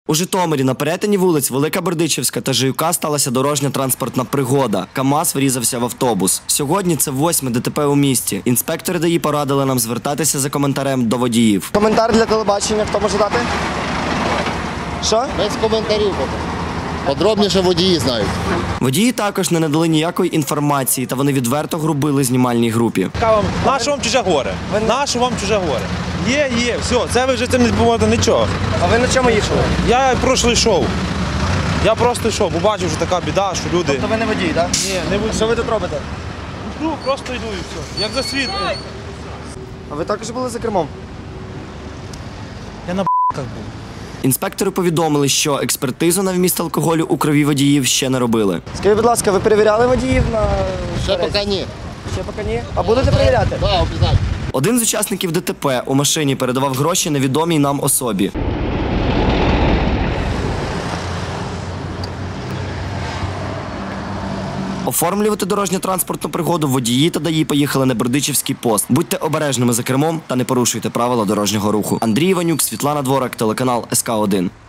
У Житомирі на перетині вулиць Велика Бердичівська та Жиюка сталася дорожньо-транспортна пригода. КАМАЗ врізався в автобус. Сьогодні це 8-ме ДТП у місті. Інспектори ДАІ порадили нам звертатися за коментарем до водіїв. Коментар для телебачення, хто може дати? Що? Без коментарів. Подробніше водії знають. Водії також не надали ніякої інформації, та вони відверто грубили знімальній групі. Нащо вам чуже горе? Нащо вам чуже горе? Є, все, це ви вже цим не допоможете нічого. А ви на чому їхали? Я просто йшов. Я просто йшов, бо бачив, що така біда, що люди... Тобто ви не водій, так? Ні, не водій. Що ви тут робите? Ну, просто йду і все. Як за світ. А ви також були за кермом? Я на б***ках був. Інспектори повідомили, що експертизу на вміст алкоголю у крові водіїв ще не робили. Скажіть, будь ласка, ви перевіряли водіїв на... Ще поки ні. Ще поки ні? А будете перевіряти? Так, обов'язково. Один з учасників ДТП у машині передавав гроші невідомій нам особі. Оформлювати дорожньо-транспортну пригоду водії та ДАІ поїхали на Бердичівський пост. Будьте обережними за кермом та не порушуйте правила дорожнього руху. Андрій Іванюк, Світлана Дворак, телеканал СК1.